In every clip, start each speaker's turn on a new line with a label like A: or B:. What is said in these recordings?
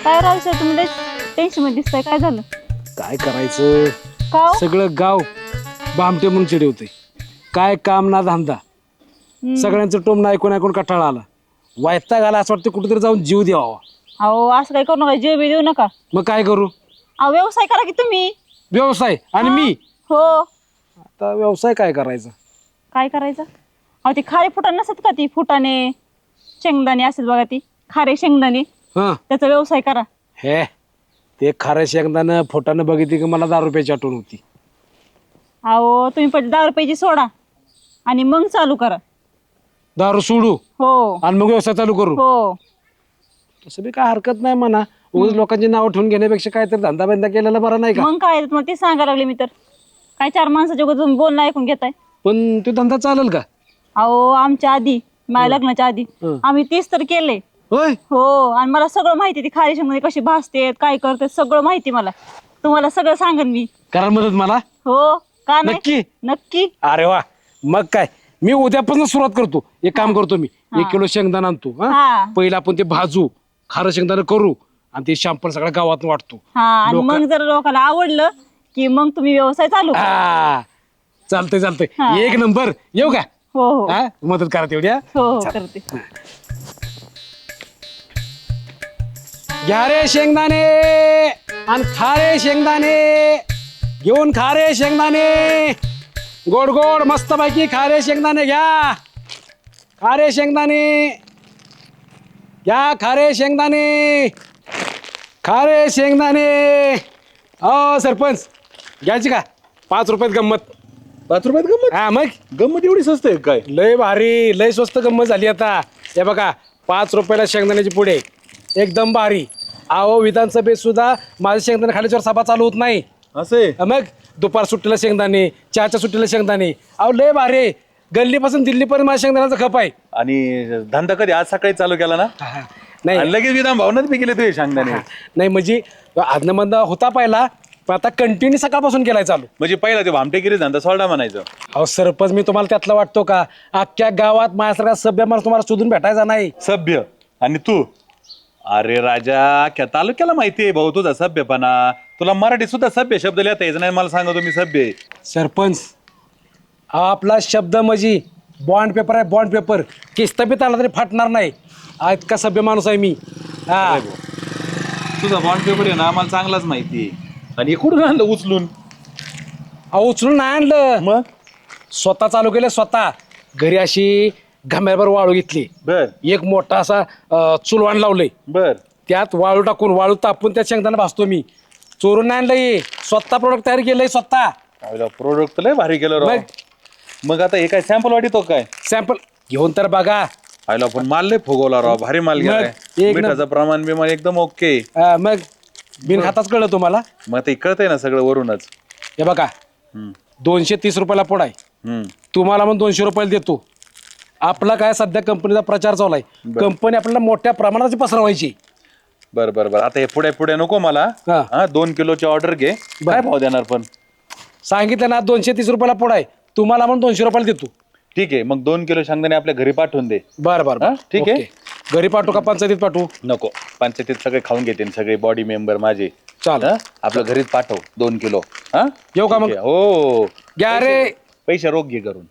A: काय राहायचं तुम्ही टेन्शन मध्ये दिसताय, काय झालं?
B: काय करायचं
A: का हो?
B: सगळं गाव बामटे म्हणून चिडवते. काय काम ना धंदा, सगळ्यांचं टोमणं ऐकून ऐकून कटाळा आला. वैताग आला, असं वाटतं कुठेतरी जाऊन जीव द्यावा.
A: अहो असं काय करू नका, जीव बी देऊ नका.
B: मग काय करू?
A: अहो व्यवसाय करा की तुम्ही.
B: व्यवसाय आणि
A: हा.
B: मी
A: हो.
B: आता व्यवसाय काय करायचा?
A: काय करायचं? अहो ती खारे फुटाणे नसतात का, ती फुटाणे शेंगदाणे असतात बघा, ती खारे शेंगदाणे,
B: हा
A: त्याचा व्यवसाय करा.
B: हे ते खारं शेंगदानं फोटानं बघितली की मला 10 रुपयाची आठवण होती.
A: अहो तुम्ही पहिले 10 रुपयाची सोडा आणि मग चालू करा.
B: दारू सोडू
A: हो
B: आणि मग व्यवसाय चालू करू.
A: हो.
B: तसं बी काय हरकत नाही म्हणा. उगाच लोकांची नावं ठेवून घेण्यापेक्षा काहीतरी धंदा बंदा केलेला बरा नाही का?
A: मग काय तुम्हाला ते सांगायला लागले मी तर. काय 4 माणसाच्या अगोदर तुम्ही बोलणं ऐकून घेताय?
B: पण तो धंदा चालेल का?
A: अहो आमच्या आधी, माझ्या लग्नाच्या आधी आम्ही 30 तर केले.
B: होय.
A: हो. आणि मला सगळं माहिती, ती खारी शेंगदाणे कशी भाजतेत, काय करते, सगळं माहिती मला. तुम्हाला सगळं सांगेन मी.
B: करा मदत मला.
A: हो का नाही?
B: नक्की?
A: नक्की.
B: अरे वा, मग काय, मी उद्यापासून सुरुवात करतो. एक काम करतो, मी 1 किलो शेंगदाणा आणतो.
A: हा.
B: पहिला आपण ते भाजू, खारं शेंगदाणा करू आणि ते शॅम्पल सगळ्या गावात वाटतो.
A: हा. आणि मग जर लोकांना आवडलं की मग तुम्ही व्यवसाय चालू करा.
B: हा चालतंय चालतंय.
A: हा.
B: 1 नंबर. येऊ का?
A: हो हो
B: हा मदत करा तेवढ्या.
A: हो हो करते.
B: घ्या रे शेंगदाणे आणि खारे शेंगदाणे, घेऊन खारे शेंगदाणे, गोड गोड मस्त पैकी खारे शेंगदाणे घ्या. खारे शेंगदाणे घ्या, खारे शेंगदाणे, खारे शेंगदाणे. हो सरपंच, घ्यायची का? 5 रुपयात गंमत.
C: 5 रुपयात गंमत?
B: हा मग
C: गंमत एवढी स्वस्त आहे काय?
B: लय भारी, लय स्वस्त गंमत झाली आता. हे बघा, 5 रुपयाला शेंगदाण्याची पुढे, एकदम भारी. अहो विधानसभेत सुद्धा माझे शेंगदाणे खाल्याच्यावर सभा चालू होत नाही.
C: असे
B: मग दुपार सुट्टीला शेंगदाणे, चहाच्या सुट्टीला शेंगदाणे. अहो लय भारी, गल्लीपासून दिल्लीपर्यंत माझ्या शेंगदाण्याचा खप आहे.
C: आणि धंदा कधी आज सकाळी चालू केला ना?
B: नाही
C: आणि लगेच विधान भावनात बी गेले तुझे सांगताना.
B: नाही म्हणजे आदनमंद होता पहिला, पण आता कंटिन्यू सकाळपासून केलाय चालू.
C: म्हणजे पहिला ते भामटेगिरी धंदा सोडा म्हणायचं.
B: अहो सरपंच, मी तुम्हाला त्यातला वाटतो का? अख्ख्या गावात माझ्यासारखा सभ्य माणूस तुम्हाला शोधून भेटायचा नाही.
C: सभ्य आणि तू? अरे राजा, क्या तालुक्याला माहिती आहे भाऊ तुझा सभ्यपणा. तुला मराठी सुद्धा सभ्य शब्द लिहिता यायचं नाही, मला सांगा तुम्ही सभ्य आहे.
B: सरपंच, आपला शब्द म्हणजे बॉन्ड पेपर आहे, बॉन्ड पेपर. किस्तबीत आला तरी फाटणार नाही. इतका सभ्य माणूस आहे मी. हा
C: तुझा बॉन्ड पेपर आहे ना, आम्हाला चांगलाच माहिती आहे. आणि कुठून आणलं उचलून?
B: अहो उचलून नाही आणलं,
C: मग
B: स्वतः चालू केलं. स्वतः घरी अशी घाम्यावर वाळू घेतली,
C: बर
B: एक मोठा असा चुलवाण लावलंय,
C: बर.
B: त्यात वाळू टाकून, वाळू तापून त्यात शेंगदाणा भाजतो मी. चोरून नाही आणलंय, स्वतः प्रोडक्ट तयार केलंय स्वतः.
C: प्रोडक्ट लय भारी केलं राव. मग आता हे काय सॅम्पल वाटतो काय?
B: सॅम्पल घेऊन तर बघा.
C: आयला पण माल लय फुगवला राव, भारी माल गेलाय.
B: एक
C: मिठाचं प्रमाण बिमाण एकदम ओके.
B: मग बिन खाताच कळलं तुम्हाला.
C: मग ते कळतंय ना सगळं वरूनच.
B: हे बघा,
C: हम्म,
B: 230 रुपयाला पोड आहे.
C: हम्म.
B: तुम्हाला मग 200 रुपयाला देतो. आपला काय सध्या कंपनीचा प्रचार चालू आहे. कंपनी आपल्याला मोठ्या प्रमाणात पसरवायची.
C: बर बर बर. आता हे पुढे पुढे नको मला.
B: हा.
C: हा 2 किलोची ऑर्डर घे. काय भाव देणार पण?
B: सांगितलं ना 230 रुपयाला पोड आहे. तुम्हाला मग 200 रुपयाला देतो.
C: ठीक आहे, मग 2 किलो शेंगदाणे आपल्या घरी पाठवून दे.
B: बरं बरं
C: हा,
B: बरं,
C: ठीक आहे.
B: ओके. घरी पाठवू का पंचायतीत पाठवू?
C: नको, पंचायतीत सगळे खाऊन घेते सगळे बॉडी मेंबर माझे.
B: चालेल.
C: हा? आपलं घरीच पाठव 2 किलो. हा
B: येऊ का
C: ठीक
B: मग?
C: आहे. हो,
B: घ्या रे.
C: पैसे रोख घे करून.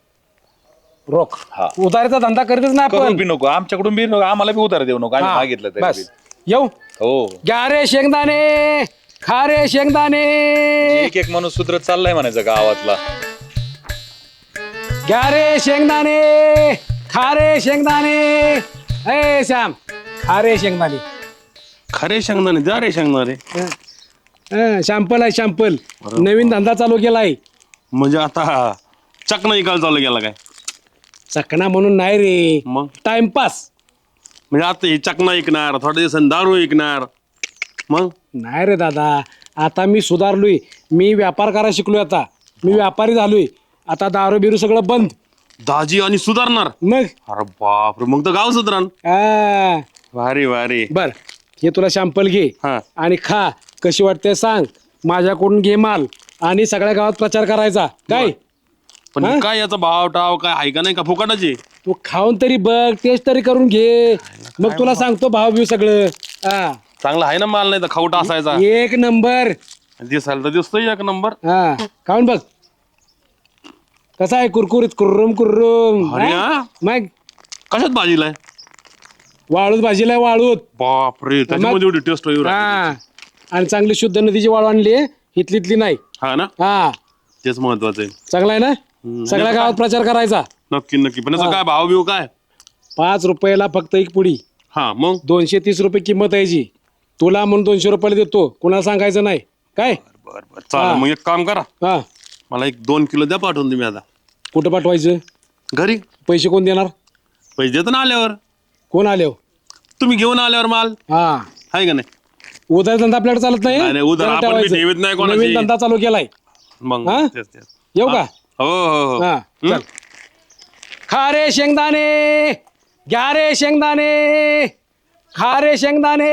B: रोख.
C: हा.
B: उधारीचा धंदा करतच ना
C: करून
B: आपण.
C: बी नको, आमच्याकडून बी नको, आम्हाला बी उधार देऊ नको, आम्ही
B: हा,
C: मागितलं तरी
B: बस.
C: बी.
B: येऊ.
C: हो.
B: घ्या रे शेंगदाणे, खा रे शेंगदाणे,
C: एक एक माणूस सुधरत चाललाय म्हणायचं गावातला.
B: घ्या रे शेंगदाणे, खा रे शेंगदाणे. ए श्याम, खा रे शेंगदाणे.
D: खरे शेंगदाणे, जा रे शेंगदाणे.
B: शॅम्पल आहे, शॅम्पल. नवीन धंदा चालू केलाय.
D: म्हणजे आता चकना इकायला चालू गेला काय?
B: चकना म्हणून नाही रे,
D: मग
B: टाइमपास.
D: म्हणजे आता हे चकना ऐकणार, थोड्या दिवसांनी दारू ऐकणार. मग
B: नाही रे दादा, आता मी सुधारलोय. मी व्यापार करायला शिकलोय. आता मी व्यापारी झालोय. आता दारू बिरू सगळं बंद.
D: दाजी आणि सुधारणार.
B: मग
D: अरे बापरे, मग तर गाव सुधारण. भारी भारी.
B: बर, हे तुला शॅम्पल घे
D: हा.
B: आणि खा. कशी वाटते सांग. माझ्याकडून घे माल आणि सगळ्या गावात प्रचार करायचा. काय
D: पण
B: हा?
D: काय याचा भाव टाव काय आहे का नाही का फुकटाची?
B: तू खाऊन तरी बघ, टेस्ट तरी करून घे, मग तुला सांगतो भाव बिव सगळं.
D: चांगला आहे ना माल, नाही तर खाऊटा असायचा.
B: एक नंबर.
D: दिसायला तर दिसतोय एक नंबर.
B: हा खाऊन बघ कसा आहे, कुरकुरीत कुर्रुम कुर्रुम.
D: अरे
B: हा?
D: हा.
B: मग
D: कशात भाजीलाय?
B: वाळूत भाजीला वाळूत.
D: बापरे, त्याच्यामध्ये एवढी टेस्ट होईल.
B: हा आणि चांगली शुद्ध नदीची वाळू आणली इथली नाही.
D: हा ना,
B: हा
D: तेच महत्वाचं आहे.
B: चांगला आहे ना. सगळ्या गावात प्रचार करायचा.
D: नक्की नक्की. पण याचा काय भाव बिव काय?
B: 5 रुपयाला फक्त एक पुडी.
D: हा मग
B: 230 रुपये किंमत आहे जी. तुला म्हणून 200 रुपयाला देतो, कुणाला सांगायचं नाही काय.
D: बर बर चालेल. मग एक काम करा,
B: हा
D: मला एक 2 किलो द्या पाठवून तुम्ही. आता
B: कुठं पाठवायचं?
D: घरी.
B: पैसे कोण देणार?
D: पैसे देतो ना आल्यावर.
B: कोण आले?
D: तुम्ही घेऊन आल्यावर माल
B: हा
D: आहे का नाही?
B: उधार धंदा आपल्याकडे चालत
D: नाही, नाही, उधार
B: जरा
D: आपण बी
B: ठेवायचं.
D: ठेवीत नाही कोणाची.
B: नवीन धंदा चालू केलाय.
D: मग
B: हा?
D: तेच तेच.
B: येऊ का?
D: हो हो हो.
B: हा चल. खा रे शेंगदाणे, घ्या रे शेंगदाणे, खा रे शेंगदाणे.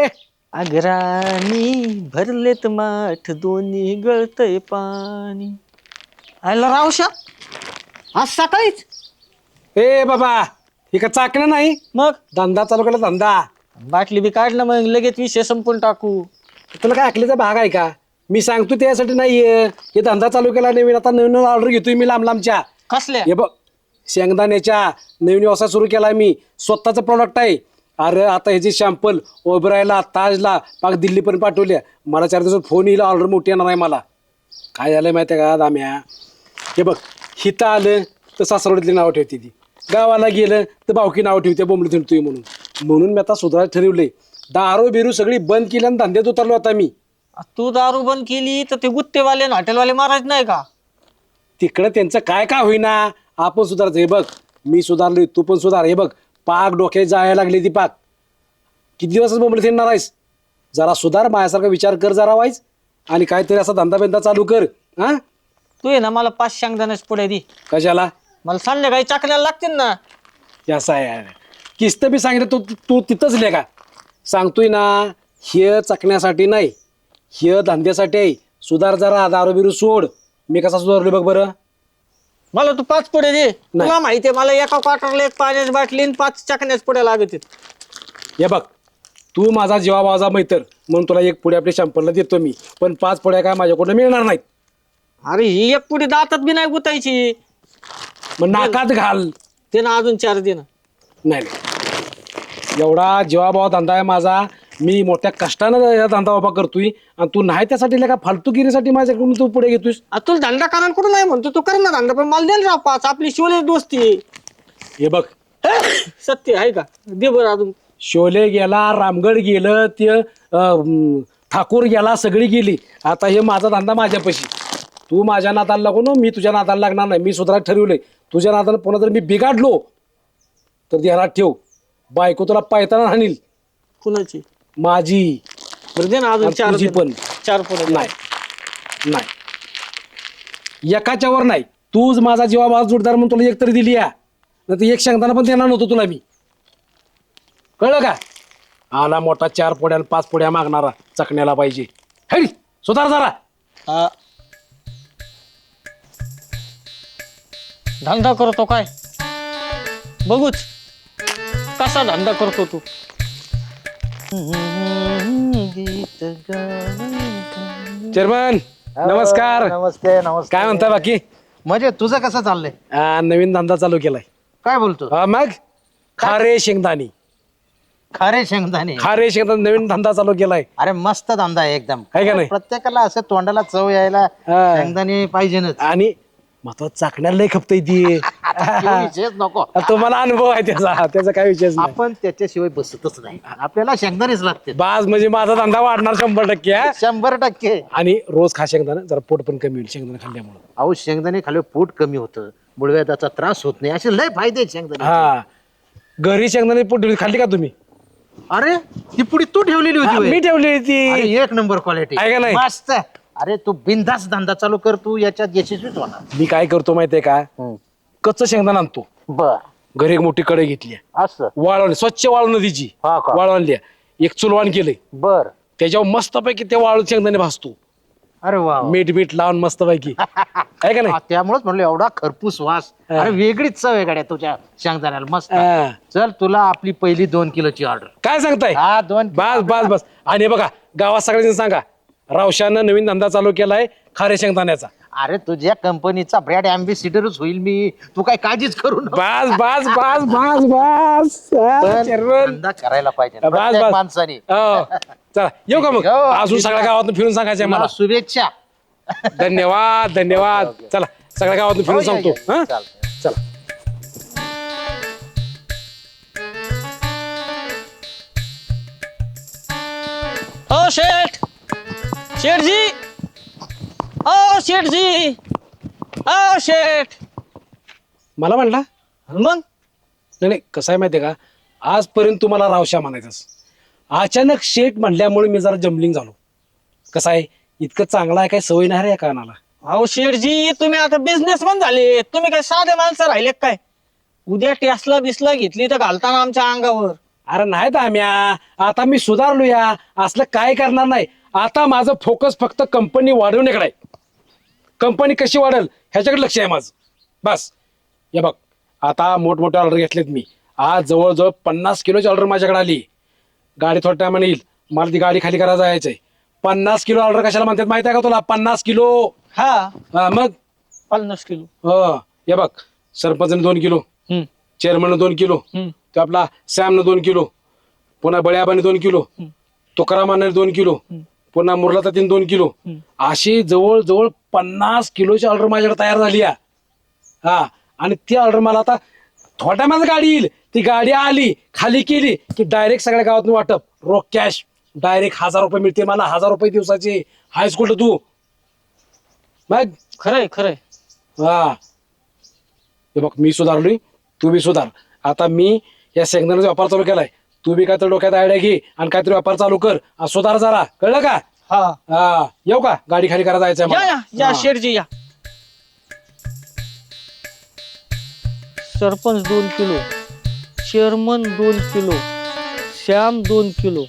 E: अगराणी भरलेत माठ दोन्ही गळतय पाणी. आयला रावशा आज सकाळीच.
B: ए बाबा हे का चाकणं नाही,
E: मग
B: धंदा चालू केला धंदा.
E: बाटली बी काढलं, मग लगेच विषय संपून टाकू.
B: तुला काय ऐकल्याचा भाग आहे का? मी सांगतो त्यासाठी नाहीये. हे धंदा चालू केला नवीन, आता नवीन ऑर्डर घेतोय मी लांब लांबच्या.
E: कसल्या?
B: हे बघ शेंगदाण्याच्या नवीन व्यवसाय सुरू केलाय मी. स्वतःचं प्रॉडक्ट आहे. अरे आता ह्याची शॅम्पल ओबरायला ताजला पाक दिल्लीपर्यंत पाठवल्या. मला 4 दिवसात फोन येईल, ऑर्डर मोठी येणार आहे मला. काय झालंय माहिती आहे का दाम्या? हे बघ हिथं आलं तर सासरवडीतली नावं ठेवते ती, गावाला गेलं तर भावकी नावं ठेवते बोंबली थिंडतोय म्हणून मी आता सुधारायला ठरवलंय. दारू बिरू सगळी बंद केली आणि धंद्यात उतरलो आता मी.
E: तू दारू बंद केली तर ते गुत्तेवाले आणि हॉटेलवाले मारायच नाही का?
B: तिकडं त्यांचं काय का होईना, आपण सुधारायचं. हे बघ मी सुधारलोय, तू पण सुधार. हे बघ पाक डोक्यात जायला लागली ती पाक. किती दिवसच बोंबली थिंडणार आहेस? जरा सुधार, माझ्यासारखा विचार कर जरा वाईज, आणि काहीतरी असा धंदा बिंदा चालू कर. हा
E: तू आहे ना मला 5 शेंगदाण्याच पुढे दे.
B: कशाला?
E: मला संध्याकाळी चाकण्याला लागतील ना.
B: असं आहे किस्त बी सांगितलं तू तू तिथंच लिहा का? सांगतोय ना हे चकण्यासाठी नाही, हे धंद्यासाठी आहे. सुधार जरा, दारू बिरू सोड. मी कसा सुधारलोय बघ बरं.
E: मला तू 5 पुढे दे. तुला माहितीये मला एका क्वार्टरला 1 पाण्याची बाटली आणि 5 चाकण्याच पुढे लागत.
B: हे बघ तू माझा जीवा भावाचा मैत्र म्हणून तुला 1 पुढे आपल्या शॅम्पलला देतो मी, पण 5 पुढ्या काय माझ्याकडून मिळणार नाहीत.
E: अरे ही 1 पुढे दातात बी नाही गुतायची.
B: मग नाकात घाल.
E: ते ना अजून 4 दे ना.
B: नाही एवढा जीवाभावा धंदा आहे माझा. मी मोठ्या कष्टानं या धंदा उभा करतोय आणि तू नाही त्यासाठी का फालतूगिरीसाठी माझ्याकडून तू पुढे घेतोयस.
E: तुला धंदा करायला कुठं नाही म्हणतो, तू कर ना धंदा, पण मला दे ना 5. आपली शिवले दोस्ती आहे.
B: हे बघ
E: सत्य आहे का? दे बरं अजून.
B: शोले गेला, रामगड गेलं, ते ठाकूर गेला, सगळी गेली. आता हे माझा धंदा माझ्यापाशी. तू माझ्या नादाला लागू नो, मी तुझ्या नादाला लागणार नाही. मी सुधारायला ठरवलंय. तुझ्या नादाला पुन्हा जर मी बिघाडलो तर ध्यानात ठेव, बायको तुला पायताना हाणील.
E: कुणाची?
B: माझी.
E: बरं दे ना अजून
B: आणि
E: 4
B: तुझी पण.
E: 4 पुढे
B: नाही नाही एकाच्या वर नाही. तूच माझा जीवाभाव जोडदार म्हणून तुला 1 तरी दिली या, नाही तर 1 शेंगदाणा पण देणार नव्हतो तुला मी. कळलं का? आला मोठा 4 पुड्या आणि 5 पुड्या मागणारा चकण्याला पाहिजे. हेडी सुधार जरा.
E: धंदा करतो काय बघूच कसा धंदा करतो तू.
B: चेअरमन नमस्कार.
F: नमस्ते नमस्ते.
B: काय म्हणता बाकी?
F: म्हणजे तुझं कसं चाललंय?
B: नवीन धंदा चालू केलाय.
F: काय बोलतो?
B: मग खारे शेंगदाणी.
F: खारे शेंगदाणे.
B: खारे शेंगदाणे नवीन धंदा चालू केलाय.
F: अरे मस्त धंदा आहे एकदम.
B: आहे का नाही?
F: प्रत्येकाला असं तोंडाला चव यायला
B: हा.
F: शेंगदाणे पाहिजेच.
B: आणि महत्वाचं चाकण्याला लय खपतय ती.
F: विषयच नको.
B: तुम्हाला अनुभव आहे त्याचा काय विषय नाही.
F: आपण त्याच्याशिवाय बसतच नाही. आपल्याला शेंगदाणेच लागते.
B: बाज म्हणजे माझा धंदा वाढणार 100%.
F: 100%.
B: आणि रोज खा शेंगदाणा, जरा पोट पण कमी होईल शेंगदाणा खाल्ल्यामुळे.
F: अहो शेंगदाणे खाल्ले पोट कमी होतं, मुळव्याधाचा त्रास होत नाही, असे लय फायदे आहेत शेंगदाणे.
B: हा घरी शेंगदाणे पोट खाल्ली का तुम्ही?
F: अरे ती पुढे तू ठेवलेली होती
B: मी
F: होय?
B: ठेवली होती.
F: अरे 1 नंबर क्वालिटी.
B: आहे का नाही?
F: मस्त. अरे तू बिनधास्त धंदा चालू कर, तू याच्यात यशस्वीच होणार.
B: मी काय करतो माहितीये का? कच्चं शेंगदाणा आणतो.
F: बर.
B: घरी एक मोठी कढई घेतली,
F: असं.
B: वाळवली, स्वच्छ वाळून नदीची
F: का?
B: वाळवली, एक चुलवाण केलंय,
F: बर.
B: त्याच्यावर मस्तपैकी ते वाळू शेंगदाणे भाजतो.
F: अरे वा वा.
B: मीठ लावून मस्त पैकी आहे का नाही?
F: त्यामुळेच म्हणलं एवढा खरपूस वास. अरे वेगळीच चव आहे गाड्या तुझ्या शेंगदाण्याला मस्त.
B: हा.
F: चल तुला आपली पहिली 2 किलोची ऑर्डर.
B: काय सांगताय?
F: हा 2
B: बस आणि हे बघा गावात सगळ्यांनी सांगा रावशानं नवीन धंदा चालू केलाय खारे शेंगदाण्याचा.
F: अरे तुझ्या कंपनीचा ब्रँड अँबॅसिडरच होईल मी. तू काय काळजीच करू नको.
B: बस
F: पण
B: चेअरमन.
F: धंदा करायला पाहिजे
B: बस,
F: प्रत्येक
B: बस.
F: माणसाने.
B: हो. चला येऊ का मग?
F: हो.
B: अजून सगळ्या गावातून फिरून सांगायचंय मला.
F: मला शुभेच्छा.
B: धन्यवाद चला सगळ्या गावातून फिरून
F: हो, या,
B: सांगतो.
F: या.
B: हा
F: चालतंय.
B: चला.
E: ओ शेठ, शेठजी, ओ शेठजी, ओ शेठ.
B: मला म्हणला
E: मग
B: नाही कसं आहे माहितीये का आजपर्यंत तुम्हाला रावशा म्हणायचंच अचानक शेट म्हणल्यामुळे मी जरा जम्बलिंग झालो. कसं आहे इतकं चांगलं आहे काय सवय नाही रे या कानाला.
E: अहो शेठजी तुम्ही आता बिझनेसमॅन झाले. तुम्ही काय साधे माणसं राहिले काय? उद्या टेस्ला बिस्ला घेतली तर घालताना आमच्या अंगावर.
B: अरे नाही तर आम्ही आता मी सुधारलो या असलं काय करणार नाही. आता माझं फोकस फक्त कंपनी वाढवण्याकडे आहे. कंपनी कशी वाढेल ह्याच्याकडे लक्ष आहे माझं. बस हे बघ आता मोठमोठे ऑर्डर घेतलेत मी. आज जवळजवळ 50 किलोची ऑर्डर माझ्याकडे आली. गाडी थोड्या टायमाने येईल. मला ती गाडी खाली करायला जायचंय. 50 किलो ऑर्डर कशाला म्हणतात माहिती आहे का तुला? 50 किलो.
E: हा
B: हा, मग
E: 50 किलो.
B: हो हे बघ सरपंचने 2 किलो,
E: हम्म,
B: चेअरमनने 2 किलो,
E: हम्म.
B: तो आपला सॅमनं 2 किलो, पुन्हा बळ्याबाने 2 किलो, तुकारामाने 2 किलो, पुन्हा मुरलातातीन 2 किलो. अशी जवळजवळ 50 किलोची ऑर्डर माझ्याकडे तयार झाली आहे. हा आणि ती ऑर्डर मला आता थोड्या माझं गाडी येईल. ती गाडी आली खाली केली की डायरेक्ट सगळ्या गावातून वाटप रोख कॅश डायरेक्ट 1000 रुपये मिळते मला. 1000 रुपये दिवसाचे. हायस्कूल तू मग
E: खरंय खरंय.
B: हा हे बघ मी सुधारलोय तू बी सुधार. आता मी या शेंगदाण्याचा व्यापार चालू केलाय. तू बी काहीतरी डोक्यात आयडिया घे आणि काहीतरी व्यापार चालू कर. सुधार जरा कळलं का?
E: हा
B: हा येऊ का? गाडी खाली करायला जायचंय
E: या
B: मला.
E: या या
B: हा.
E: शेठजी या. सरपंच 2 किलो, चेअरमन 2 किलो, श्याम 2 किलो.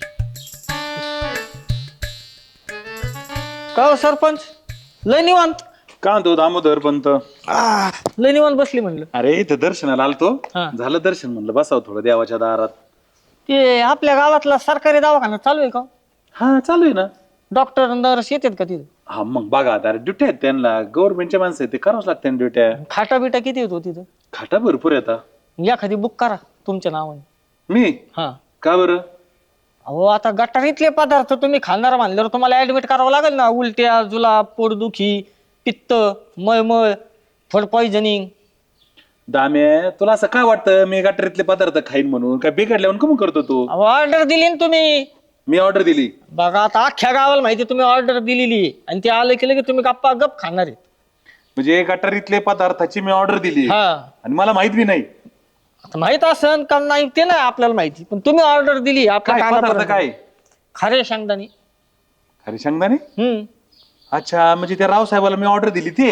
E: का हो सरपंच लय निवांत?
C: का म्हणतो दामोदर पंत?
E: लय निवांत बसली म्हणलं.
C: अरे इथं दर्शनाला आलतो.
E: हा.
C: झालं दर्शन म्हणलं बसावं थोडं देवाच्या दारात.
E: ते आपल्या गावातला सरकारी दवाखाना चालू आहे का?
C: हा चालू आहे ना.
E: डॉक्टर नर्स येतात का तिथे?
C: हा मग बघा आता ड्युट्या आहेत त्यांना. गव्हर्नमेंटच्या माणसं आहेत ते करावंच लागते ड्युट्या.
E: खाटा बिटा किती येतो तिथं?
C: खाटा भरपूर येतात.
E: एखादी बुक करा तुमच्या नावाने.
C: मी
E: हा
C: का बरं?
E: अहो आता गटारीतले पदार्थ तुम्ही खाणार म्हणल्यावर तुम्हाला ऍडमिट करावं लागेल ना. उलट्या, जुलाब, पोटदुखी, पित्त, मळमळ, फूड पॉइझनिंग.
C: दाम्या तुला असं काय वाटतं मी गटारीतले पदार्थ खाईन म्हणून? काय बिघडल्यावर कमी करतो तू?
E: अहो ऑर्डर दिली ना तुम्ही.
C: मी ऑर्डर दिली.
E: बघा आता अख्ख्या गावाला माहिती तुम्ही ऑर्डर दिलेली आहे आणि ते आलं केलं की तुम्ही गप्पा गप खाणार आहेत.
C: म्हणजे गटारीतले पदार्थाची मी ऑर्डर दिली
E: हा
C: आणि मला माहित बी नाही.
E: आता माहित असन का नाही ते नाही आपल्याला माहिती, पण तुम्ही ऑर्डर दिली आपल्या
C: काय पदार्थ
E: कानापर्यंत.
C: काय?
E: खरे शेंगदाणे.
C: अरे शेंगदाणे.
E: हम्म
C: अच्छा म्हणजे त्या रावसाहेबाला मी ऑर्डर दिली ते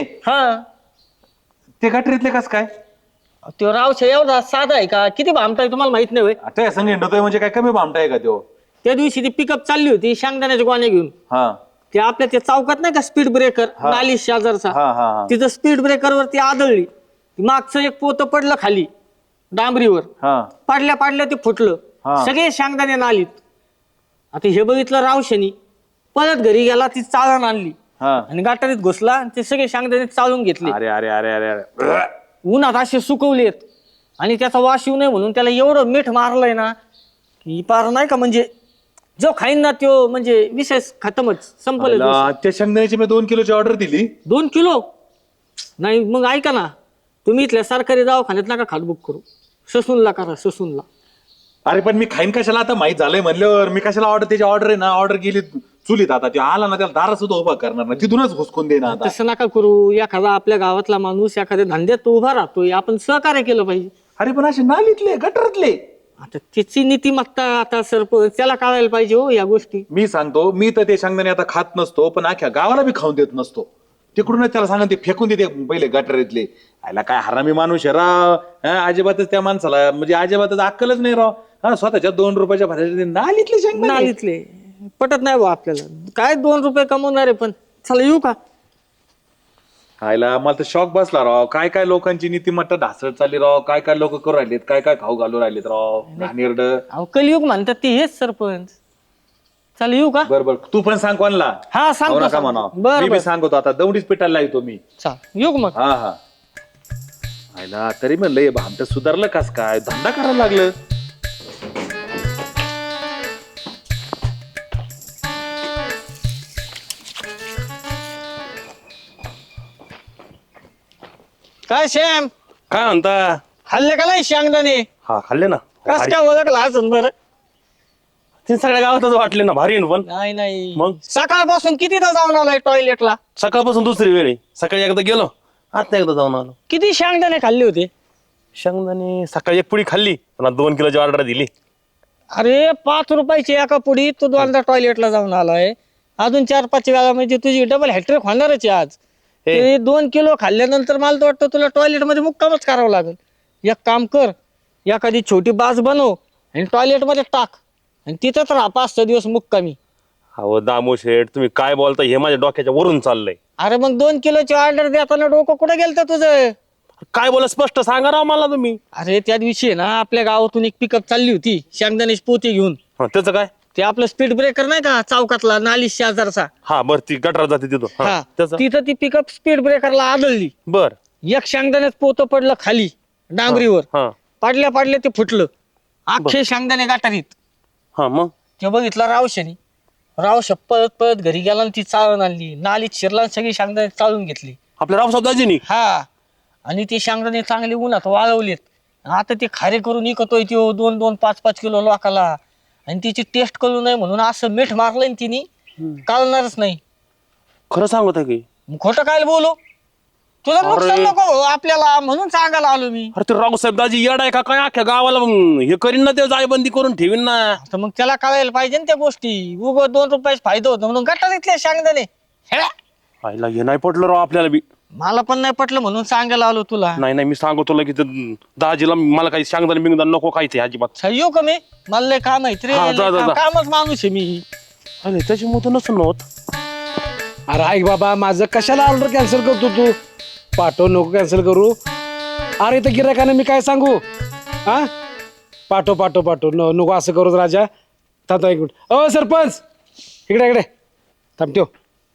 E: हा
C: गटारीतले कस काय?
E: तो रावशा एवढा साधा आहे का? किती भामटा आहे तुम्हाला माहित नाही होय?
C: आता या संघ हिंडतोय म्हणजे काय कमी भामटा आहे का तो?
E: त्या दिवशी ती पिकअप चालली होती शेंगदाण्याच्या गोण्या घेऊन.
C: हा
E: ते आपल्या ते चौकात नाही का स्पीड ब्रेकर नाली शेजारचा,
C: हा हा हा
E: तिथं स्पीड ब्रेकर वरती आदळली. मागचं एक पोतं पडलं खाली डांबरीवर.
C: हा
E: पाडल्या पाडल्या ते फुटलं.
C: हा.
E: सगळे शेंगदाणे नालीत. आता हे बघितलं रावशानी परत घरी गेला, ती चाळण आणली
C: हा.
E: आणि गाठारीत घुसला आणि ते सगळे शेंगदाणे चाळून घेतले.
C: अरे अरे अरे अरे अरे
E: उन्हात असे सुकवलेत आणि त्याचा वास येऊ नये म्हणून त्याला एवढं मीठ मारलंय ना की पार नाही का, म्हणजे जो खाईन ना तो म्हणजे विशेष खतमच संपलं.
C: त्या शेंगदाण्याची मी 2 किलोची ऑर्डर दिली.
E: 2 किलो नाही? मग ऐका ना, तुम्ही इथल्या सरकारी दवाखान्यात नका खाट बुक करू, ससूनला करा, ससूनला.
C: अरे पण मी खाईन कशाला? आता माहित झालंय म्हणल्यावर मी कशाला ऑर्डर? त्याची ऑर्डर आहे ना, ऑर्डर गेली चुलीत. आता ते आला ना त्याला दारा सुद्धा उभा करणार ना, तिथूनच घुसकून देणार. आता
E: तसं नका करू. एखादा आपल्या गावातला माणूस एखाद्या धंद्यात उभा राहतोय, आपण सहकार्य केलं पाहिजे.
C: अरे पण असे नालीतले गटरातले.
E: आता त्याची नीतिमत्ता आता सरपंच त्याला कळायला पाहिजे हो या गोष्टी.
C: मी सांगतो, मी तर ते शेंगदाणे आता खात नसतो, पण अख्ख्या गावाला बी खाऊन देत नसतो. तिकडूनच त्याला सांगा ते फेकून देते पहिले गटरातले. आयला काय हरामी माणूस आहे राव. अजिबातच त्या माणसाला म्हणजे अजिबातच अक्कलच नाही राव. हा स्वतःच्या 2 रुपयाच्या भरायचे नालीतले शेंगदाणे.
E: नालीतले पटत नाही बा आपल्याला. काय 2 रुपये कमवणार आहे, पण चला येऊ का?
C: खायला मला तर शॉक बसला राव. काय काय लोकांची नीतिमत्ता ढासळत चालली राव. काय काय लोक करू राहिलेत, काय काय खाऊ घालू राहिलेत राव. घाणेरड.
E: अहो कलियुग म्हणतात ते हेच सरपंच. चला येऊ का?
C: बर बर, तू पण सांग कोणला.
E: हा सांगतो,
C: नका
E: सांगतो.
C: म्हणा.
E: बरं,
C: मी
E: बरं.
C: बी सांगतो आता. दौडीच पिटायला येतो मी.
E: चल येऊ का मग?
C: हा हा. खायला तरी म्हणलं हे भामट सुधारलं कस काय, धंदा करायला लागलं.
E: काय श्याम,
D: काय म्हणता?
E: खाल्ले का नाही शेंगदाणे?
D: हा खाल्ले ना.
E: कस काय ओळखला असं बरं?
D: ते सगळ्या गावातच वाटले ना, भारी आहे ना पण.
E: नाही नाही,
D: मग?
E: सकाळपासून कितीदा जाऊन आलाय टॉयलेटला?
D: सकाळपासून दुसरी वेळ आहे. सकाळी एकदा गेलो, आता एकदा जाऊन आलो.
E: किती शेंगदाणे खाल्ले होते?
D: शेंगदाणे सकाळी एक पुडी खाल्ली, पण 2 किलोची ऑर्डर दिली.
E: अरे 5 रुपयाची एका पुडी, तू दोनदा टॉयलेटला जाऊन आलाय. अजून 4-5 वेळा म्हणजे तुझी डबल हॅट्रिक होणारच आहे आज. ते 2 किलो खाल्ल्यानंतर मला तर वाटतं तुला टॉयलेट मध्ये मुक्कामच करावं लागेल. एक काम कर, एखादी छोटी बास बनव आणि टॉयलेट मध्ये टाक आणि तिथंच राहा 5-6 दिवस मुक्कामी.
D: अहो दामू शेठ, तुम्ही काय बोलता हे माझ्या डोक्याच्या वरून चाललंय.
E: अरे मग 2 किलोची ऑर्डर देताना डोकं कुठं गेलं तुझं?
D: काय बोला, स्पष्ट सांगा राव मला तुम्ही.
E: अरे त्या दिवशी आहे ना, आपल्या गावातून एक पिकअप चालली होती शेंगदाण्याची पोती घेऊन.
D: त्याचं काय?
E: ते आपलं स्पीड ब्रेकर नाही का चौकातला, नाली शेजारचा.
D: हा बर, ती गटार जाते तिथं.
E: हा,
D: त्याचं
E: तिथं ती पिकअप स्पीड ब्रेकरला आदळली.
D: बर.
E: एक शेंगदाण्यात पोतं पडलं खाली डांबरीवर.
D: हा
E: पडल्या पडल्या ते फुटलं. अख्खे शेंगदाणे गटारीत.
D: हा. मग
E: ते बघितलं रावशानी. रावशा पळत पळत घरी गेला आणि ती चाळून आणली. नालीत शिरला आणि सगळी शेंगदाणे चाळून घेतली.
D: आपल्या रावसाहेब दाजीनी.
E: हा, आणि ते शेंगदाणे चांगले उन्हात वाळवलेत. आता ते खारे करून विकतोय तो 2-2, 5-5 किलो लोकाला. आणि तिची टेस्ट करू नये म्हणून असं मीठ मारलंय तिने, कळणारच नाही.
D: खरं सांगत आहे की?
E: मग खोटं काय बोलू? तुला नुकसान नको हो आपल्याला, म्हणून सांगायला आलो मी.
D: अरे ते रावसाहेब दाजी येड आहे का काय? अख्ख्या गावाला हे करीन ना, ते जायबंदी करून ठेवीन ना.
E: तर मग त्याला कळायला पाहिजे ना त्या गोष्टी. उग 2 रुपयाचा फायदा होतो म्हणून गटारीतले शेंगदाणे. हेळा.
D: आईला हे नाही पटलं राव आपल्याला बी.
E: मला पण नाही पटलं म्हणून सांगायला आलो तुला.
D: नाही नाही, मी सांगतो तुला की ते दाजीला मला काही सांगताना बिंगदान नको काहीच आहे अजिबात.
E: येऊ का मी? मला लय काम आहे रे.
D: हा, जा, जा, जा.
E: कामच माणूस आहे मी.
D: अरे त्याच्यामुळे नसून होत.
B: अरे ऐक बाबा, माझं कशाला ऑर्डर कॅन्सल करतो तू? पाठव, नको कॅन्सल करू. अरे इथं गिरायकाने मी काय सांगू? हा, पाठव पाठव पाठव. नको असं करूच राजा. थांब एक मिनिट. ओ सरपंच, इकडे इकडे थांब. ठेव.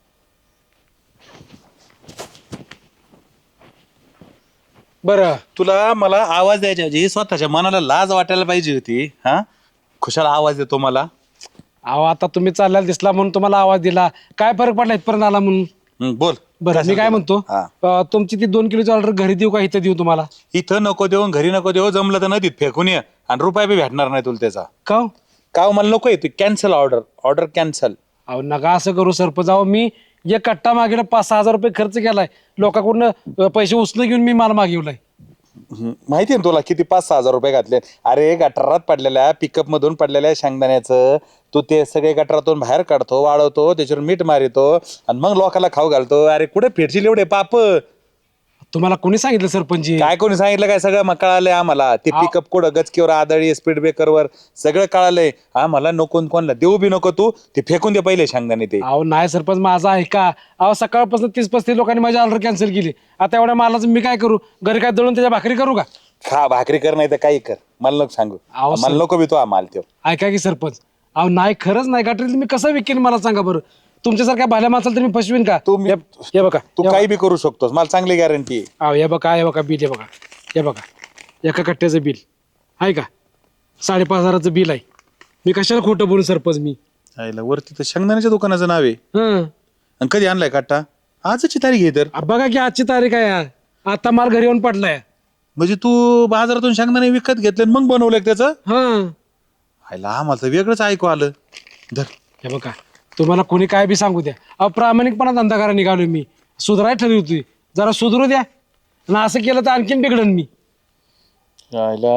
B: बरं,
C: तुला मला आवाज द्यायच्या ऐवजी स्वतःच्या मनाला लाज वाटायला पाहिजे होती. हा, खुशाला आवाज देतो मला.
B: अहो आता तुम्ही चालल्याला दिसला म्हणून तुम्हाला आवाज दिला. काय फरक पडला इथपर्यंत आला म्हणून?
C: बोल.
B: बरं, मी काय म्हणतो,
C: हा.
B: तुमची ती 2 किलोची ऑर्डर घरी देऊ का इथं देऊ तुम्हाला?
C: इथं नको देऊ, घरी नको देऊ. जमलं तर नदीत फेकून ये आणि रुपया बी भेटणार नाही तुला त्याचा.
B: का हो?
C: का मला नको येतो. Cancel order cancel.
B: अहो नका असं करू सरपंच. अहो मी एक कट्टा मागेला 5-6 हजार रुपये खर्च केलाय. लोकांकडून पैसे उचलून घेऊन मी माल मागवलाय.
C: माहितीये ना तुला किती 5-6 हजार रुपये घातले. अरे गटारात पडलेल्या पिकअप मधून पडलेल्या शेंगदाण्याचं तू ते सगळे गटारातून बाहेर काढतो, वाळवतो, त्याच्यावर मीठ मारितो आणि मग लोकांना खाऊ घालतो. अरे कुठे फेडशील एवढे पाप?
B: तुम्हाला कोणी सांगितलं सरपंच?
C: काय कोणी सांगितलं काय? सगळं मग कळालंय आम्हाला. ते पिकअप कुठं गचकीवर आदळी, स्पीड ब्रेकरवर सगळं कळालंय आम्हाला. नको कोणला देऊ बी नको तू. ते फेकून दे पहिले शेंगदाणे ते.
B: अहो नाही सरपंच, माझा ऐका. अहो सकाळपासून 30-35 लोकांनी माझी ऑर्डर कॅन्सल केली. आता एवढ्या मालाचं मी काय करू? घरी काय दळून त्याच्या भाकरी करू का?
C: खा भाकरी कर, नाही तर काही कर. मला नको सांगू.
B: अहो,
C: मला नको बी तो माल त्यो.
B: ऐका की सरपंच. अहो नाही, खरंच नाही. गटारीत मी कसं विकेन मला सांगा बरं. तुमच्यासारख्या भाल्या माणसाला तर मी फसवीन का?
C: तू
B: हे बघा,
C: तू काही बी करू शकतोस. मला चांगली गॅरंटी आहे.
B: अहो हे बघा बिल. हे बघा, हे बघा, एका कट्ट्याचं बिल आहे का? 5,500चं बिल आहे. मी कशाला खोटं बोलू सरपंच मी?
C: आईला वरती तर शेंगदाण्याच्या दुकानाचं नाव आहे.
B: हं.
C: आणि कधी आणलाय काटा? आजची तारीख आहे तर.
B: बघा की आजची तारीख आहे यार. आता माल घरी येऊन पडलाय.
C: म्हणजे तू बाजारातून शेंगदाणे विकत घेतले आणि मग बनवलंय त्याचं?
B: हं.
C: आईला आम्हाला तर वेगळंच ऐकू आलं. धर.
B: हे बघा, तुम्हाला कोणी काय बी सांगू द्या. अप्रामाणिकपणा धंदा करा निघालोय मी. सुधाराय ठरली होती. जरा सुधरू द्या. आणि असं केलं तर आणखीन बिघडन मी.
C: आईला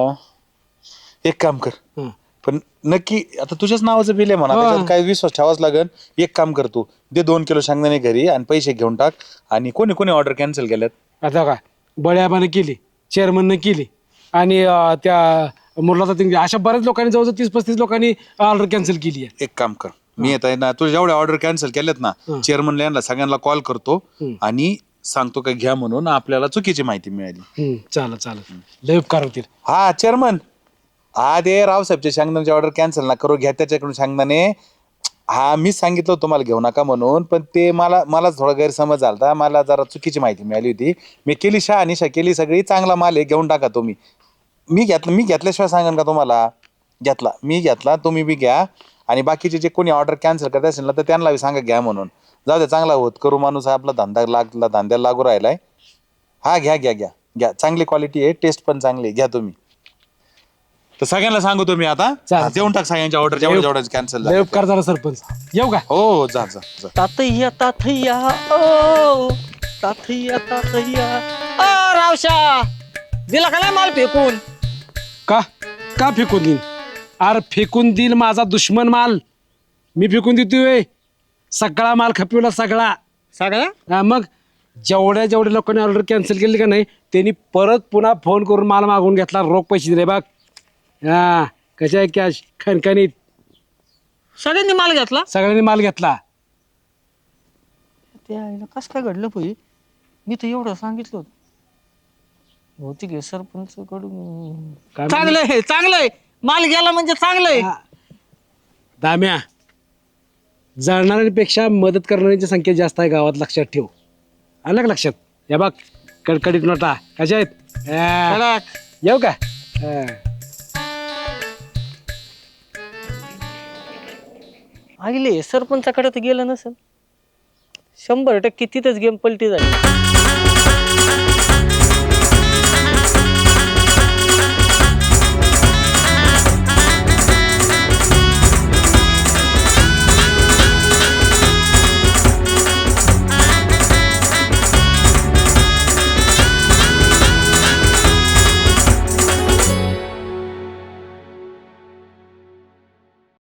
C: एक काम कर.
B: हं.
C: पण नक्की आता तुझ्याच नावाचं बिल आहे म्हणा. त्याच्यात काय विश्वास ठेवाच लागेल. एक काम कर, तू दे 2 किलो शेंगदाणे घरी आणि पैसे घेऊन टाक. आणि कोणी कोणी ऑर्डर कॅन्सल केल्यात?
B: आता काय, बळ्याबानं केली, चेअरमननं केली आणि त्या मुलाचा अशा बऱ्याच लोकांनी, जवळजवळ 30-35 लोकांनी ऑर्डर कॅन्सल केली आहे.
C: एक काम कर, मी येत आहे ना तुझ्या जेवढ्या ऑर्डर कॅन्सल केल्यात ना चेअरमनला यांना सगळ्यांना कॉल करतो आणि सांगतो का घ्या म्हणून आपल्याला चुकीची माहिती मिळाली.
B: चालेल चालेल लय उपकार होतील.
C: हा चेअरमन हा ते रावसाहेबच्या शेंगदाण्याची ऑर्डर कॅन्सल ना करू घ्या त्याच्याकडून शेंगदाणे. हा मीच सांगितलं होतं तुम्हाला घेऊ नका म्हणून पण ते मला थोडा गैरसमज झाला मला जरा चुकीची माहिती मिळाली होती. मी केली शहानिशा केली सगळी चांगला माल आहे घेऊन टाका तुम्ही. मी घेतल्याशिवाय सांगेन का तुम्हाला. मी घेतला तुम्ही बी घ्या आणि बाकीचे जे कोणी ऑर्डर कॅन्सल करत असेल ना तर त्यांना बी सांगा घ्या म्हणून. जाऊ दे चांगला होत करू माणूस आपला धंद्याला लागू राहिलाय. हा घ्या घ्या घ्या घ्या चांगली क्वालिटी आहे टेस्ट पण चांगली घ्या तुम्ही. तर सगळ्यांना सांगतो मी आता देऊन टाक सगळ्यांच्या ऑर्डर जेवढ्या कॅन्सल
B: लय उपकार झाला सरपंच. येऊ का?
C: हो जा जा जा.
E: तातय्या तातय्या ओ तातय्या तातय्या रावशा दिला का नाही माल फेकून?
B: का फेकून देईन? अरे फेकून देईल माझा दुश्मन माल मी फेकून देतोय. सगळा माल खपवला सगळा.
E: सगळ्या
B: मग जेवढ्या लोकांनी ऑर्डर कॅन्सल केली का नाही त्यांनी परत पुन्हा फोन करून माल मागून घेतला रोख पैसे दिले बघ. हा कशा आहे कॅश खणखणीत
E: सगळ्यांनी माल घेतला.
B: सगळ्यांनी माल घेतला.
E: ते आईला कसं काय घडलं पाहिजे? मी तर एवढं सांगितलं होतं. बहुतेक हे सरपंच कडून
B: काय
E: चांगलंय माल गेला म्हणजे चांगलंय.
B: दाम्या जाणणाऱ्यांपेक्षा मदत करणाऱ्यांची संख्या जास्त आहे गावात लक्षात ठेव. आलं का लक्षात? या बघ कडकडीत नोटा कशा आहेत? येऊ का?
E: आईले सरपंचाकडे तर गेलं नसेल. 100% तिथंच गेम पलटी झाली.